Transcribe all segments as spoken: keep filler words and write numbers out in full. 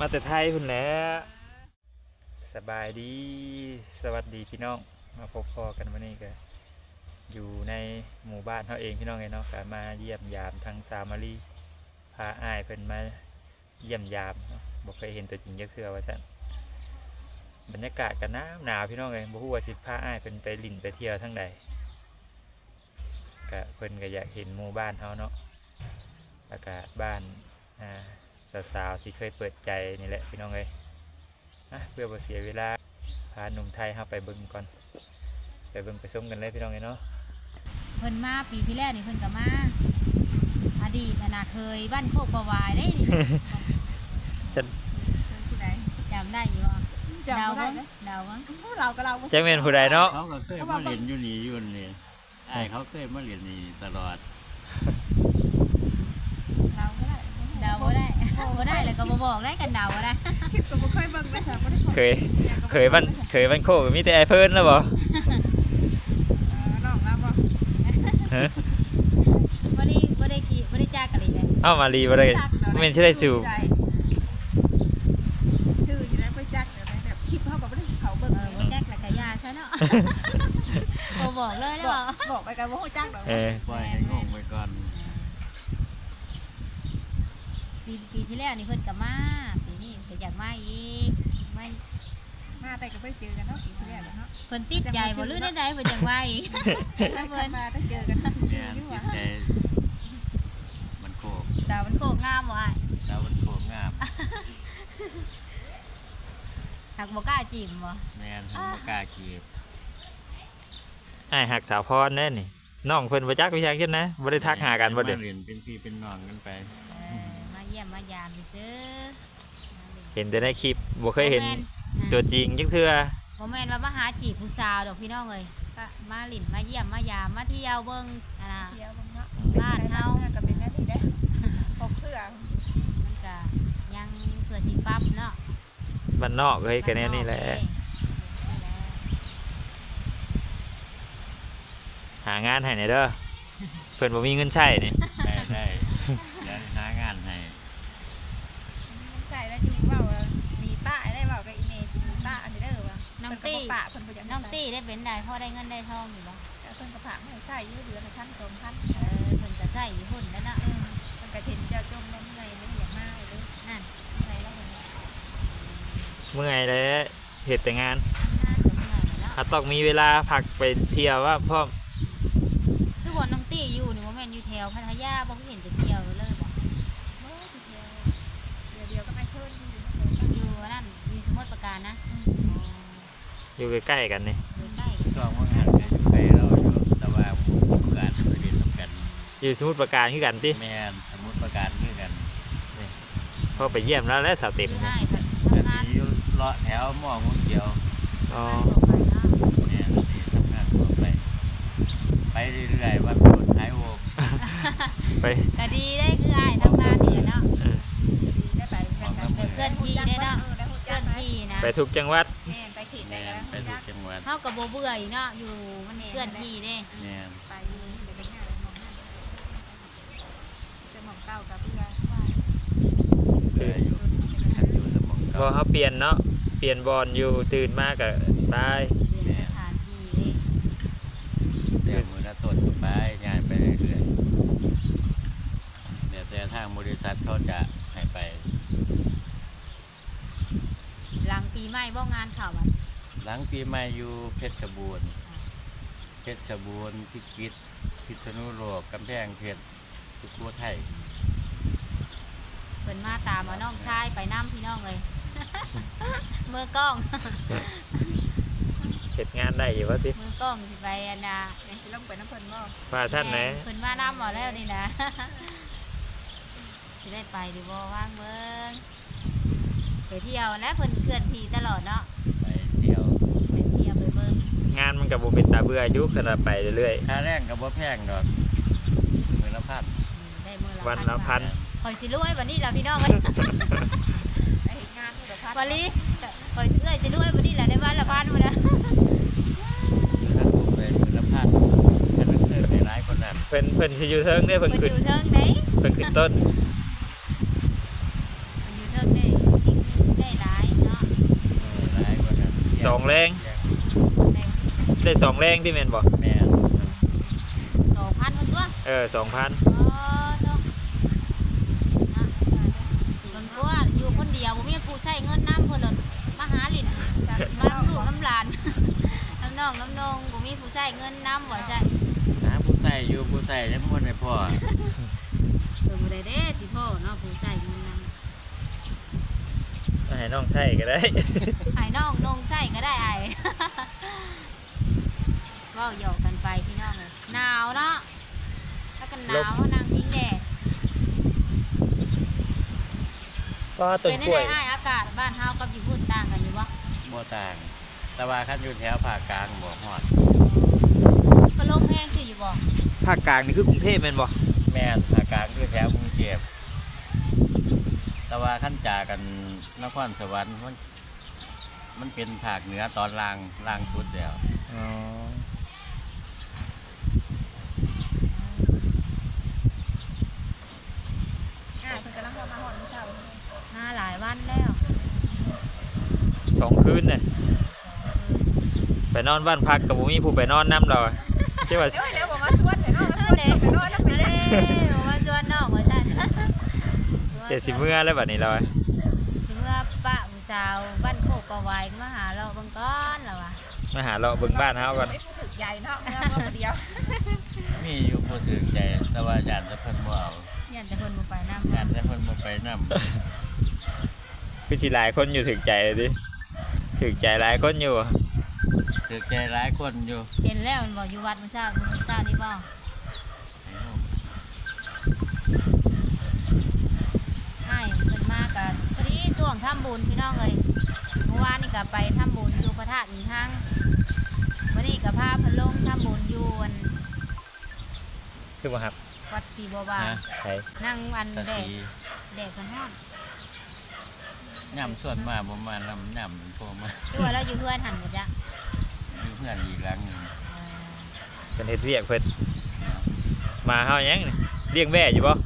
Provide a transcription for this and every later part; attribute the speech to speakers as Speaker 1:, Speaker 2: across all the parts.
Speaker 1: มาแต่ไทยพุ่นแหล้วสบายดีสวัสดีพี่น้องมาพบพอกันวันนี้ก็อยู่ในหมู่บ้านเขาเองพี่น้องไงเนาะก็มาเยี่ยมยามทางสามารีพาอ้ายเพิ่นมาเยี่ยมยามเนาะบ่เคยเห็นตัวจริงจักเทื่อว่าซั่นบรรยากาศก็หนาวหนาวพี่น้องเอ้ยบ่ฮู้ว่าสิพาอ้ายเพิ่นไปลิ้นไปเที่ยวทางใดก็เพิ่นก็อยากเห็นหมู่บ้านเฮาเนาะแล้วก็บ้านอ่าสาวๆที่เคยเปิดใจนี่แหละพี่น้องเอ้ยนะเพื่อบ่เสียเวลาพาหนุ่มไทยเฮาไปเบิ่งก่อนไปเบิ่งไปชมกันเลยพี่น้องเอ้ยเนาะ
Speaker 2: เพิ่นมาปีที่แล้วนี่เพิ่นก็มาอดีตน่ะเคยบ้านโคกประวายได้นี่
Speaker 1: ฉัน
Speaker 2: จำได้อยู่บ่เดาบ่เดาบ่
Speaker 3: เราก็เรา
Speaker 1: แจ็คแม่นผู้ใดเนาะ
Speaker 4: เขาก็เคยมาเรียนอยู่นี่อยู่นี่ไอ้เขาเคยมาเรียนนี่ตลอด
Speaker 3: เราก็ได้
Speaker 2: เดาบ่ได้บ่ได้แล้วก็บ่บอกได้กันเดาบ่ได้
Speaker 3: คลิปก็บ่เคยเบิ่งไปซะบ่ได้
Speaker 1: เคยเคยบ้านเคยบ้านโคกมีแต่ไอเฟิร์นแล้วบ่
Speaker 3: เออน้องเราบ่
Speaker 1: ฮะ
Speaker 2: บ่ได้บ่ได้กี่บ่ได้จักกันเลยเด้
Speaker 1: เอ้ามาลีบ่ได้แม่นสิได้สู่
Speaker 3: ชื่ออยู่ได้บ่จักเดี๋ยวแบบคลิปเฮาก็บ่ได้เขาเบิ่ง
Speaker 2: เออบ่จักแล้วก็ยาซะเนาะบ่บอกเลยแล้ว
Speaker 3: บอกบอกไปกันบ่ฮู้จักดอก
Speaker 1: เออ
Speaker 4: ปล่อยให้งงไปก่อน
Speaker 2: ปีปีที่แล้วนี่เพิ่นก็มาปีนี้เพิ่นอยากมาอีกมา
Speaker 3: มาแต่ก็บ่ได้เจอกันเนาะปีที่แล้วเนาะ
Speaker 2: เพิ่นติดใจบ่รู้ได้ๆเพิ่นอยากมาอีก
Speaker 3: เพิ่นมาได้เจอกันซื่อ
Speaker 4: แม่
Speaker 3: ๆอยู่
Speaker 4: จิ
Speaker 3: ว่า
Speaker 4: ตใจมันโคก
Speaker 2: สาวมันโคกงามบ่อ้าย
Speaker 4: แล้วมันโคกงาม
Speaker 2: หักบ่กล้าจีบบ่
Speaker 4: แม่นทำบ่กล้ากีบ
Speaker 1: อ้ายหักสาวพรแน่นี่น้องเพิ่นบ่จักวิชาคิดนะบ่ได้ทักหากันบ่เด้
Speaker 4: มาเรียนเป็นพี่เป็นน้องกันไป
Speaker 2: เออมาเยี่ยมมายามซื่อ
Speaker 1: เห็นแต่ในคลิปบ่เคยเห็นตัวจริงจักเทื่อ
Speaker 2: บ่แม่นว่ามาหาจีบผู้สาวดอกพี่น้องเอ้ยมาหลินมาเยี่ยมมายามมาเที่ยวเบิ่งอ่า
Speaker 3: เที่ยวเบิ่งเนาะ
Speaker 2: บ้านเฮา
Speaker 3: ก็เป็นแนวนี้เด้พบเพื่อ
Speaker 2: มันก็ยังเพื่อสิปรับเนาะ
Speaker 1: บ้านนอกเฮ้ยก็แนวนี้แหละหางานให้หน่อยเด้อเพิ่นบ่มีเงินใช้นี่
Speaker 4: ได้ได้เดี๋ยวหางานให้
Speaker 3: ใช่แล้วอยู่เว้ามีป้าได้เว้ากับอีเมลมีป้าอันนี้เด้อว่า
Speaker 2: น้องตี้
Speaker 3: ป้าเพิ่นบ่อยาก
Speaker 2: น้องตี้ได้เป็นได้พอได้เงินได้ทองอยู่บ่
Speaker 3: เพิ่นก็ฝากให้ใช้อยู่เดือนละพันสองพัน
Speaker 2: เออเพิ่นก็ใช้อยู่หุ่นแล้วเนาะ
Speaker 3: มันก็เห็นเจ้าจมน้ำในมันอย่างมากเลย
Speaker 2: นั่น
Speaker 3: ในแล้วมัน
Speaker 1: เมื่อยแล้วเฮ็ดแต่งาน
Speaker 2: น่าจะเมื่อยเนาะ
Speaker 1: ถ้าต้องมีเวลาพักไปเที่ยวว่าพร้อม
Speaker 2: คือว่าน้องตี้อยู่นี่บ่แม่นอยู่แถวพัทยาบ่เห็นจะเที่ยวเลยบ่
Speaker 3: เมื่อทีเดียวเดียวเดียวก็ไม่เพิ่มอยู่
Speaker 2: อยู่นั่นมีสมุทรปราการนะ
Speaker 1: อยู่ใกล้ๆกันนี่
Speaker 2: อยู่ใกล้
Speaker 4: ช่วงว่างานก็อยู่ไปเราอยู่แต่ว่าผู้ประการไปเรียนนํกัน
Speaker 1: อยู่สมุทรปราการคือกันติ
Speaker 4: แม่นสมมุติประการคือกัน
Speaker 1: พอไปเยี่ยมแล้วและสาวเต็ม
Speaker 2: อยู่
Speaker 1: นี่
Speaker 2: ง่ายค่ะ
Speaker 4: อัน
Speaker 2: ทำงาน
Speaker 4: นี้อยู่เลาะแถวหม้อมุ้งเขียว
Speaker 1: อ๋อ
Speaker 4: แม่นนี่ทำงานทั่วไปไปเรื่อยๆว่าเป็นคนขายโวก
Speaker 1: ไป
Speaker 2: ก็ดีได้คืออ้ายทำงานนี่เนาะ
Speaker 1: เออ
Speaker 3: ได้ไปกันกัน
Speaker 2: เคลื่อนที่ได้เนาะเคลื่อนที่นะ
Speaker 1: ไปทุกจังหวัด
Speaker 3: แม่ไปขีดได้
Speaker 4: แม่
Speaker 3: แล้ว
Speaker 4: นไปทุกจังหวัด
Speaker 2: เฮาก็บ่เบื่ออีกเนาะอยู่มันเคลื่อนที่เด้
Speaker 4: แม่น
Speaker 3: ไปอยู่เดี๋ยวไปหาอะไรมองหน้าจะมองเก้ากับเพื่อนว่า
Speaker 4: เรื่อยอยู่ทันอยู่สมอง
Speaker 1: พ
Speaker 4: เก่า
Speaker 1: อเขาเปลี่ยนเนาะเปลี่ยนบอลอยู่ตื่นมากก็ไป
Speaker 2: เรียนสถานที่เด้
Speaker 4: เดี๋ยวมือหน้าต้นก็ไปงานไปเรื่อยๆเดี๋ยวแต่ทางบริษัทเขาจะให้ไป
Speaker 2: หลังปีใหม่บ่งานเข้าบัด
Speaker 4: หลังปีใหม่อยู่เพชรบูรณ์เพชรบูรณ์พิจิตรพิษณุโลกกำแพงเพชรสุโขทัย
Speaker 2: เพิ่นมาตามเอาน้องชายไปนำพี่น้องเอ้ย มือกล้อง
Speaker 1: เฮ็ดงานได้อยู่ว่าติ
Speaker 2: มือกล้องสิไปอันน่ะ
Speaker 3: ในสิลงไปน้ำเพลินบ่
Speaker 1: ว่าท่านไหน
Speaker 2: เพิ่นมานำเอาแล้วนี่นะ สิได้ไปหรือบ่ว่างเบิ่งไปเที่ยวและเพิ่นเคลื่อนที่ตลอดเนาะ
Speaker 4: ไปเที่ยว
Speaker 2: ไปเที่ยวไปเบิ่ง
Speaker 1: งานมันก็บ่เป็นตาเบื่ออยู่ขนาดไปเรื่อย
Speaker 4: ค่าแรงกับบ่แพงดอกมือละพัน
Speaker 2: ได้มื้อละ
Speaker 1: ๆวันละพัน
Speaker 2: ข่อยสิรวยบัดนี้ล่ะพี่น้องเอ้ย
Speaker 3: ไปเห็นงานที่เราพัด
Speaker 2: วันนี้ข่อยเอ้ยสิรวยบัดนี้ล่ะได้วันละพันพุ่นนะ
Speaker 4: ถ้าถูกไปมือละพันถ้ามันเกิดในร้ายคนนั้น
Speaker 1: เพิ่นเพิ่นสิอยู่เทิงเด้อ
Speaker 2: เพิ่
Speaker 1: เพิ่
Speaker 2: น
Speaker 1: นขึ้น
Speaker 2: อยู่เทิงเด้
Speaker 1: เพิ่นขึ้นต้น
Speaker 2: เพิ่นอยู่เทิงเด้
Speaker 1: สองแรง
Speaker 2: ใน
Speaker 1: ได้สองแรงที่แม่นบ่
Speaker 4: แม่น
Speaker 2: สองพันคนตัว
Speaker 1: เออสองพัน
Speaker 2: อ๋อเนาะนะคนตัวอยู่คนเดียวบ่มีผู้ใช้เงินน้ำเพิ่นเลยมาหาลิ้นมาน้ำลูกน้ำหลาน น้ำน้องน้ำนองบ่มีผู้ใช้เงินน้ำบ่ใช่
Speaker 4: หาผู้ใส่อยู่ผู้ใส่ยังบ่ได้พ่อ
Speaker 2: เพิ่นบ่ได้เด้สิพ่อเนาะผู้ใช้เงินนำ
Speaker 1: ให้น้องใช้ก็ได้
Speaker 2: ไอ้น้องนงใช้ก็ได้ไอ้ เว้าหยอกกันไปพี่น้องเอ้ยหนาวเนาะถ้ากันหนาวนั่งพิงแดด
Speaker 1: ก็ต้น
Speaker 2: เป็น
Speaker 1: กล้วย
Speaker 2: ได้อ้ายอากาศบ้านเฮากับอยู่พุ่นต่างกันอยู่บ่
Speaker 4: บ่ต่าง แต่ว่าคันอยู่แถวภาคกลางบ่ฮอด
Speaker 2: ก็ลมแห้งสิอยู่บ่
Speaker 1: ภาคกลางนี่คือกรุงเทพแม่นบ่
Speaker 4: แม่นภาคกลางคือแถวกรุงเทพแต่ว่าขั้นจากกันนครสวรรค์มันมันเป็นภาคเหนือตอนล่างล่างสุดแล้ว
Speaker 1: อ๋อ
Speaker 3: อ่าเพิ่นกำลังเข้ามาหอนเช้า
Speaker 2: มาหลายวันแล้ว
Speaker 1: สองคืนน่ะไปนอนบ้านพักกับบ่มีผู้ไปนอนนำเราใช่ว่า
Speaker 3: เดี๋ยวเดี๋ยวบอกมาชวนเดี๋ยวเนาะมาชวนเดี๋ยวเนาะแล้วไป
Speaker 2: เด้
Speaker 3: เด้อ
Speaker 2: มาชวนน้องว่าซั่น
Speaker 1: เจ็ดสิเมื่อแล้วบัดนี้เรา
Speaker 2: สิเมื่อป้าผู้สาวบ้านโคกประวายมาหาเราเบิ่งก่อนแล้วว่ะ
Speaker 1: มาหาเราะเบิ่งบ้านเฮาก่อน
Speaker 3: ไม่พูดถึงใหญ่เนาะเมื่อเมื่อคนเดียว
Speaker 4: มีอยู่ผู้ถึงใจ แต่ว่าญาติแต่เพิ่นบ่เอา
Speaker 2: เนี่ยแต่เพิ่นบ่ไปนำ
Speaker 4: ญาติแต่เพิ่นบ่ไปนำ
Speaker 1: คือสิหลายคนอยู่ถึงใจเลยดิถึงใจหลายคนอยู่
Speaker 4: ถึงใจหลายคนอยู่
Speaker 2: เห็นแล้วมันบอกอยู่วัดมื้อเช้ามื้อเช้านี่บ่ให้เพิ่นมาก็พอดีช่วงทำบุญพี่น้องเอ้ยเมื่อวานนี่ก็ไปทำบุญอยู่พระธาตุอีกทางวันนี้ก็พาเพิ่นลงทำบุญอยู่อัน
Speaker 1: คือบ่ครับ
Speaker 2: วัดศรีบัวบาน
Speaker 4: ฮะ
Speaker 1: ใช่
Speaker 2: นั่งอัน
Speaker 4: สัน
Speaker 2: แดด
Speaker 4: สี
Speaker 2: แดดกันฮอด
Speaker 4: ย่ำส่วนมาบ่มาลำย่ำโทรมา
Speaker 2: ตัวเราอยู่เพื่อนหันหมดจ้ะ
Speaker 4: อยู่เพื่อนอีกหลังหนึง
Speaker 1: เป็นเฮ็ดเวียกเพิ่นมาเฮายังนี่เลี้ยงแม่อยู่บ่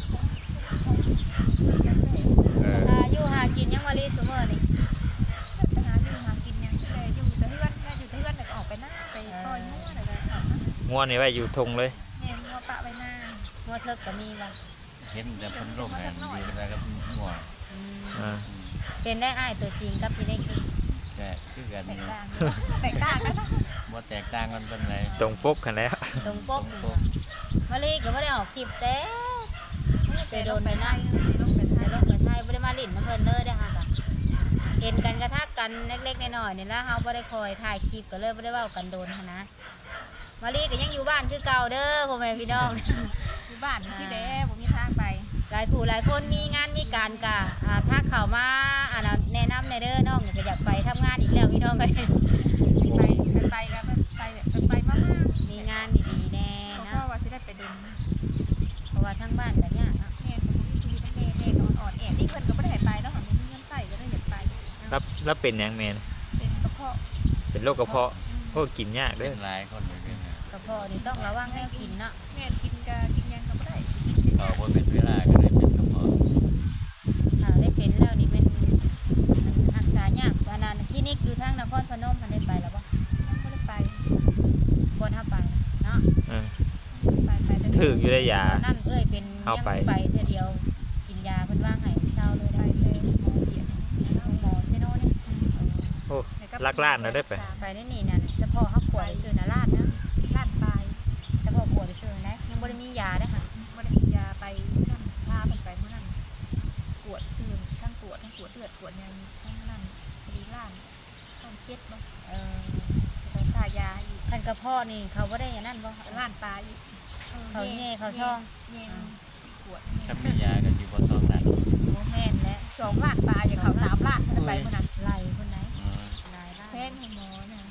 Speaker 1: เออ
Speaker 2: หาอยู่หากินยังมาลีซุมื้อนี่
Speaker 3: หาอยู่หากินยังแต่อยู่แต่เพื่อนแต่อยู่แต่เพื่อนแต่ก็ออกไปหน้าไปปล่อยมั่วแต่ก็ออกมา
Speaker 1: ง่วนนี่ไว้อยู่ทงเลย
Speaker 3: เนี่ยงัวปะไปหน้า
Speaker 2: มัวเทิกก็มีบ่
Speaker 4: เห็นแต่เพิ่นลงกันอยู่แล้วก็มั่ว
Speaker 2: อืม
Speaker 1: อ่า
Speaker 4: อืม
Speaker 2: เป็นได้อ้ายตัวจริงกับที่ได้กิน
Speaker 4: แต่คือกัน
Speaker 3: แตก
Speaker 4: นี่
Speaker 3: ต่างแตกต่างกันเนาะ
Speaker 4: บ่แตกต่างกันปานใด
Speaker 1: ตรงปกกันแล้ว
Speaker 2: ตรงปก
Speaker 4: ตรงปก
Speaker 2: มาลีก็บ่ได้ออกคลิปแต่
Speaker 3: ไปโดนไปหน้าลงไป
Speaker 2: ใน
Speaker 3: ท้าย
Speaker 2: โลกประเทศไทยบ่ได้มาลิ้นน้ำเพิ่นเลยเด้อค่ะก็เห็นกันกระทักกันเล็กๆน้อยๆนี่ล่ะเฮาบ่ได้คอยถ่ายคลิปก็เลยบ่ได้เว้ากันโดนหันนะมาลีก็ยังอยู่บ้านคือเก่าเด้อพ่อแม่พี่น้อง
Speaker 3: อยู่บ้านสิเด้ผมมีทางไป
Speaker 2: หลายคู่หลายคนมีงานมีการกะอ่าถ้าเข้ามาอ่าแนะนำในเด้อน้องก็อยากไปทำงานอีกแล้วพี่น้องก็
Speaker 3: ไปไปกันไปไปไปมาก
Speaker 2: มีงานดีๆแน่
Speaker 3: ๆเพ
Speaker 2: เนาะ
Speaker 3: ราะว่าสิได้ไปดึง
Speaker 2: เพราะว่าทั้งบ้านก็ยากเนาะ
Speaker 3: แม่ผมมีชีวิตแม่แม่นอนอ่อนแอนี่เพิ่นก็บ่ได้ให้ไปเนาะค่ะมีเงินใส่ก็ได้อยากไป
Speaker 1: รับรับเป็นหยังแม่น
Speaker 3: เป็นกระเพาะ
Speaker 1: เป็นโรคกระเพาะโอ้กินยาก
Speaker 4: เป็
Speaker 1: เด้อน
Speaker 4: หลายคนอยู่นี่นะ
Speaker 2: กระเพาะนี่ต้องระวังแนวกินเนาะ
Speaker 3: แม่กินก็กินยังก็บ่ได้
Speaker 4: ต่อบ่เป็นเวลาก็เลยเป็นกระเพาะ
Speaker 2: ถ้าได้เป็นแล้วนี่เป็นรักษายากอันนั้นคลินิกอยู่ทางนครพนมมันได้ไปแล้วบ่
Speaker 3: บ่ได้ไป
Speaker 2: ควรเฮาไปเนาะ
Speaker 1: อ่า
Speaker 3: ไปไปแต่
Speaker 1: ถึกอยู่ได้ยา
Speaker 2: ตอนนั่นเอ้ยเป็น
Speaker 1: เอาไป
Speaker 2: ยังไปเทื่อเดียวกินยาเพิ่นว่างให้เช้าเลย
Speaker 3: ไป
Speaker 2: ได้
Speaker 3: เลยหมอเบียด
Speaker 2: หมอเซโนนี่
Speaker 1: โอ้ลักล้านเราได้ไป
Speaker 2: ไปได้นี่นั่นเฉพาะเฮาป่วยซื้อนาราดเนาะ
Speaker 3: ล้านปลาย
Speaker 2: เฉพาะป่วยซื้อนะยังบ่ได้มียาเด้อค่ะ
Speaker 3: บ่ได้กินยาไปนั่นพาเพิ่นไปมื้อนั้นปวดซื่อทั้งปวดทั้งปวดเลือดปวดยังทั้งนั้นพอดีล้านต้องเจ็ดบ่
Speaker 2: เออ
Speaker 3: ต้องทายาอีก
Speaker 2: คันกระเพาะนี่เขาบ่ได้อย่างนั้นบ่
Speaker 3: ล้านปลายอีก
Speaker 2: เขาแย่เขาช่อง
Speaker 3: แย่ปวด
Speaker 4: ถ้ามียาก็สิบ่ต้องนั่น
Speaker 2: บ่แม่นและ
Speaker 3: สองล้านปลายอย่างเขาสามล้านเพิ่นไปมื้อนั้น
Speaker 2: ไหลคนไหน
Speaker 4: อืม
Speaker 2: หลายล้าน
Speaker 3: แพงให้หมอน่ะ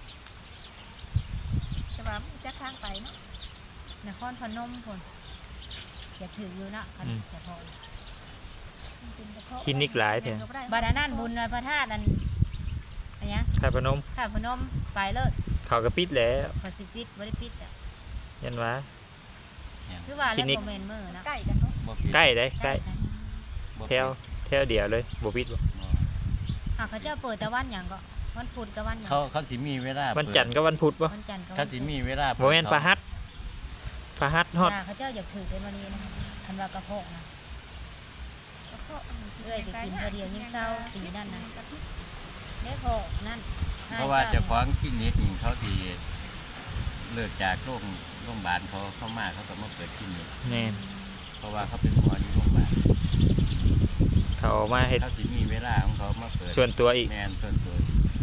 Speaker 3: จะว่ามันจะข้างไปเนาะ
Speaker 2: นครพนมพุ่นอย่าถืออยู่เนาะคัน
Speaker 1: อืม
Speaker 2: กระเพาะ
Speaker 3: มันเป็นกระเพาะ
Speaker 1: คลินิกหลายเถอะ
Speaker 2: บาดานั่นบุญพระธาตุอันอันเนี้ย
Speaker 1: ถ้าพนม
Speaker 2: ถ้าพนมไปเลิศ
Speaker 1: เขาก็ปิดแล้ว
Speaker 2: พอสิปิดบ่ได้ปิดอ่ะ
Speaker 1: ยันว่า
Speaker 2: คือว่า
Speaker 1: คลิ
Speaker 2: แล้ว
Speaker 1: นิก
Speaker 2: บ่แม่นมื้อเนาะ
Speaker 3: ใกล้กันเนาะ
Speaker 4: บ่ผิด
Speaker 1: ใกล้ได้ใกล้
Speaker 2: กัน
Speaker 4: บ่
Speaker 1: แถ
Speaker 4: ผิด
Speaker 1: วแถวเดียวเลยบ่ปิดบ่
Speaker 4: บ่
Speaker 2: อ่ะเขาเจ้าเปิดแต่วันหยังก็วันพุธกับวันหยัง
Speaker 4: เขาเขาสิมีเวลา
Speaker 1: วันจันทร์กับวันพุธบ่
Speaker 2: วันจันทร์กับ
Speaker 4: เขา
Speaker 2: วัน
Speaker 4: สิ
Speaker 2: ศุกร์
Speaker 4: มีเวลา
Speaker 1: บ่แม่นพระหัสพระหัสฮอด
Speaker 2: ย่าเขาเจ้าอยากถือเป็นวันนี้นะคันว่ากระเพาะนะ
Speaker 3: แล้วก็
Speaker 2: เอ้ยไปกินเพื่อเดียวยิ่งเศร้าปีนั่นนะเด้พอนั่น
Speaker 4: เพราะว่าเจะฟ้าของที่นิดนี่เขาสิเลิกจากโรงโรงพยาบาลเขาเข้ามาเขาก็มาเปิดที่นี่
Speaker 1: แม่น
Speaker 4: เพราะว่าเขาเป็นหมออยู่โรงพยาบาล
Speaker 1: เขามาเฮ็ด
Speaker 4: เขาสิมีเวลาของเขามาเปิด
Speaker 1: ส่วนตัวอีก
Speaker 4: แมนส่วนตัว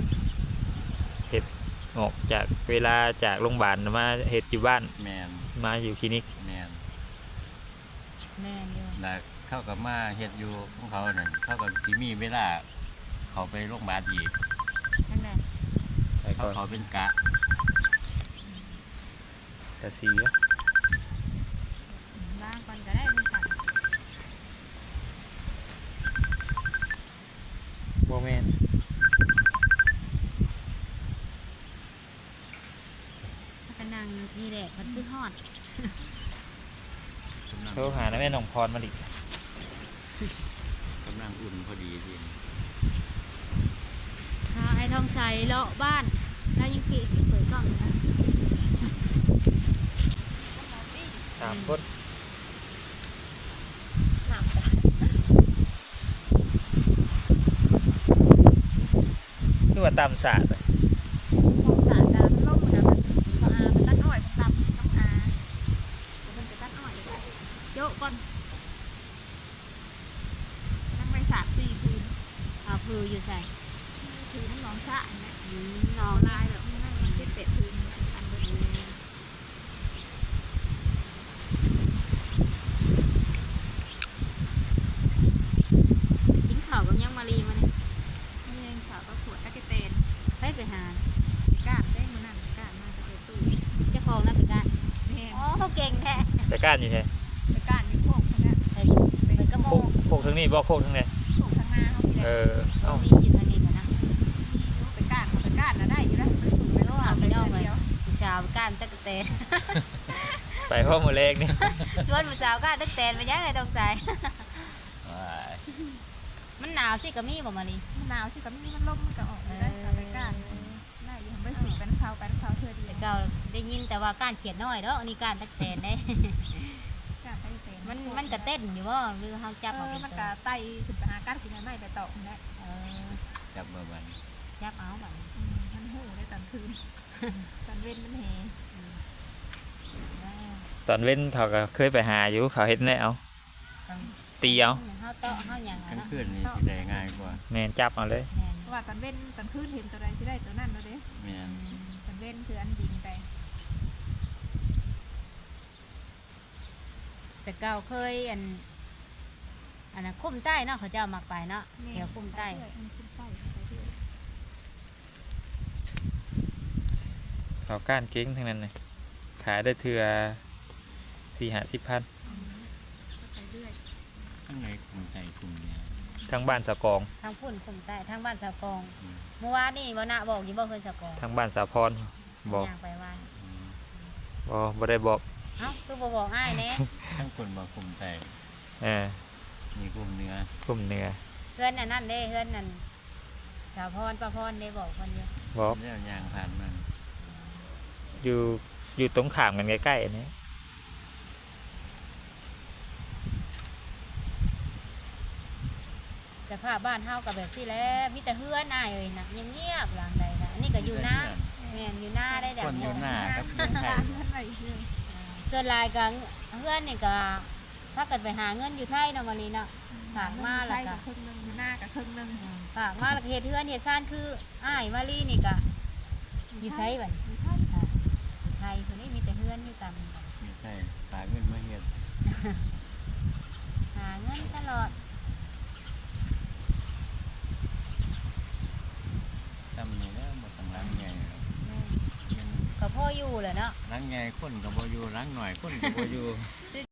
Speaker 1: ออกจากเวลาจากโรงพยาบาลมาเฮ็ดอยู่บ้าน
Speaker 4: แมน
Speaker 1: มาอยู่คลินิก
Speaker 4: แมน
Speaker 2: แม่นอยู่
Speaker 4: แล้วเขาก็มาเฮ็ดอยู่ของเขาเนี่ยเขาก็สิมีเวลาเขาไปโรงพยาบาลอีก
Speaker 2: นั่นแหละ
Speaker 1: ไป
Speaker 4: เขา
Speaker 1: ก่อน
Speaker 4: เขาเป็นกะ
Speaker 1: แต่สีอะ
Speaker 2: ล้างก่อนก็ได้ไม่สั่ง
Speaker 1: บ่แม่น
Speaker 2: ถ้ากันนั่งนี่แหละมันคือฮอด
Speaker 4: กำลัง
Speaker 1: โทรหานะแม่น้องพรมาดิ
Speaker 4: กำลังอุ่นพอดีสิ
Speaker 2: พาไอ้ทองใสเลาะบ้านแล้วยังปิดเปิดกล้องอยู่นะ
Speaker 1: สามคน
Speaker 3: ถามจ้ะ
Speaker 1: คือว่าตามศาสตร์อะ
Speaker 3: ของสารดามันล่มเหมือนกันพออาไปตัดอ้อยมันตำน้ำอาเดี๋ยวมันไปตัดอ้อยเลยค่ะโยกก่อนนั่งไปสามสี่คืน
Speaker 2: เอาพืออยู่ใส่
Speaker 3: คืนน้ำหนองสะเนี่ย
Speaker 2: อืม
Speaker 3: น
Speaker 2: น้อ
Speaker 3: อง น
Speaker 2: นี่
Speaker 3: ลายแบบนั่งมันเป็ดเป็ดคืนอันเดียว
Speaker 2: กินข้าวกับยังมารีมาเนี่ย
Speaker 3: นี่เองสาวก็ขวดตะเกเตน
Speaker 2: ไปไปหา
Speaker 3: ก้านได้มานั่นก้านมาตะเกตู้
Speaker 2: เจ้าของนั่นเป็นการ
Speaker 3: แม่
Speaker 2: อ๋อเขาเก่งแท้
Speaker 1: แต่ก้านอยู่แท้
Speaker 3: ไปก้านอยู่โคกนะ
Speaker 2: ไปไปกระโม
Speaker 1: โคกโคกทั้งนี้บ่โคกทั้งนี้
Speaker 3: โคกข้างหน้าเขาพี่
Speaker 1: เอ
Speaker 3: เด็ก
Speaker 1: อเอ้า
Speaker 2: มีอยู่ทางนี้กันนะ
Speaker 3: ไปก้านเขาไปก้านนะได้อยู่แล้วไปสูงไปแล้วหาไปเดียว
Speaker 2: ผู้สาวก้านตะกะแตน
Speaker 1: ไปพ่อมือแรกนี่
Speaker 2: ส่วนผู้สาวก้านตะกะแตนไปยังไงต้องใส่
Speaker 4: ว้าย
Speaker 2: มันหนาวสิก็มีบ่มารี
Speaker 3: มะนาวสิกับมีมันล่มมันก็ออกได้เอาไปก้านได้อยู่ไปสูงกันเขากันเขาเธอดี
Speaker 2: แต่เก่าได้ยินแต่ว่าก้านเขียดน้อยเด้ออันนี้ก้านตะกะแตนได้
Speaker 3: ก้านตะเตน
Speaker 2: มันมันกระเต้นอยู่บ่หรือเฮาจับ
Speaker 3: เอ
Speaker 2: เอา
Speaker 3: อ
Speaker 2: เป็น
Speaker 3: มัน
Speaker 2: ตั
Speaker 3: ก็
Speaker 2: ว
Speaker 3: ไต่ขึ้นไปหาก้านกินได้ไปต่อได้
Speaker 2: เออ
Speaker 4: จับเบอร์บัน
Speaker 2: จับเอาบัดนี้
Speaker 3: มันหูได้ตอนคืนตอนเว้นมันแห
Speaker 1: ตอนเว้นเขาก็เคยไปหาอยู่เขาเฮ็ดได้เอาตีเอา
Speaker 2: เฮาเตาะเฮาหยัง
Speaker 4: ก
Speaker 2: อะ
Speaker 4: ลาง
Speaker 2: เนาะ
Speaker 4: คืนนี่สิได้ง่ายกว่า
Speaker 1: แม่นจับเอาเลย
Speaker 2: แม่น
Speaker 3: เพราะว่าตอนเว้นตอนคืนเห็นตัวใดสิได้ตัวนั้นแล้วเด้
Speaker 4: แมน
Speaker 3: ตอนเว้นคืออันดินไป
Speaker 2: แต่เก่าเคยอันอันนั้นคุ้มใต้เนาะเขาเจ้ามักไปเนาะแถวคุ้มใต้
Speaker 3: คุ้มใต้ไปเรื่อย
Speaker 1: เขาก้านเก่งทั้งนั้นเลยขายได้เทื่อสี่ห้าสิบพัน
Speaker 3: ไปเรื่อย
Speaker 4: ข้างในกลุ่มใจกลุ่มเนี่ย
Speaker 1: ทั้งบ้านสะกอง
Speaker 2: ทางพุ่นคุ้มใต้ทางบ้านสาวกอง
Speaker 4: อืม
Speaker 2: เมื่อวานนี่บ่นะบอกอยู่บ่เคยสาวกอง
Speaker 1: ทั้งบ้านสะพรบอก
Speaker 2: ย่างไปว่า
Speaker 4: อืม
Speaker 1: บ่บ่ได้บอก
Speaker 2: เอ้าคือบ่บอกอ้ายแน่
Speaker 4: ทั้งคนบอกกลุ่มใจ
Speaker 1: เออ
Speaker 4: มีกลุ่มเนื้อก
Speaker 1: ลุ่มเหนือ
Speaker 2: เพื่อนอันนั้นเด้เพื่อนนั่นสาวพรป้าพรได้บอกคนอยู่
Speaker 1: บอก
Speaker 4: แล้วยางผ่านมัน
Speaker 1: อยู่อยู่ตรงข้ามกันใกล้ๆอันนี้
Speaker 2: สภาพบ้านเฮาก็แบบซี่แหล้วมีแต่เฮือนอ้ายเอ้ยนะเงียบๆหลังใดนะอันนี้ก็อยู่หน้าแม่นอยู่หน้าได้ดั
Speaker 4: ค
Speaker 2: ง
Speaker 4: นอยู่หน้ากับเมืองไทย
Speaker 3: ท่านไปเรื่อย
Speaker 2: ส่วนหลายก็เฮือนนี่ก็ถ้าเกิดไปหาเงินอยู่ไทยเนาะมาลีเนาะ ฝากมาแล้วก็
Speaker 3: ครึ่งนึงหน้ากับครึ่งนึง
Speaker 2: ฝากมาแล้วก็เฮ็ดเฮือนเฮ็ดซ่านคืออ้ายมาลีนี่ก็อยู่ไสบัด
Speaker 3: อยู่ไทย
Speaker 2: อยู่ไทยคนนี้มีแต่เฮือนอยู่กัน
Speaker 4: ไม่ใช่ฝากเงินมาเฮ็ด
Speaker 2: หาเงินตลอด
Speaker 4: ทำนี่แล้วหมดสังรังใหญ่หรอกมัน
Speaker 2: ก็พ่ออยู่แหละเนาะ
Speaker 4: รังใหญ่คนกับบ่อยู่รังหน่อยคนกับบ่อยู่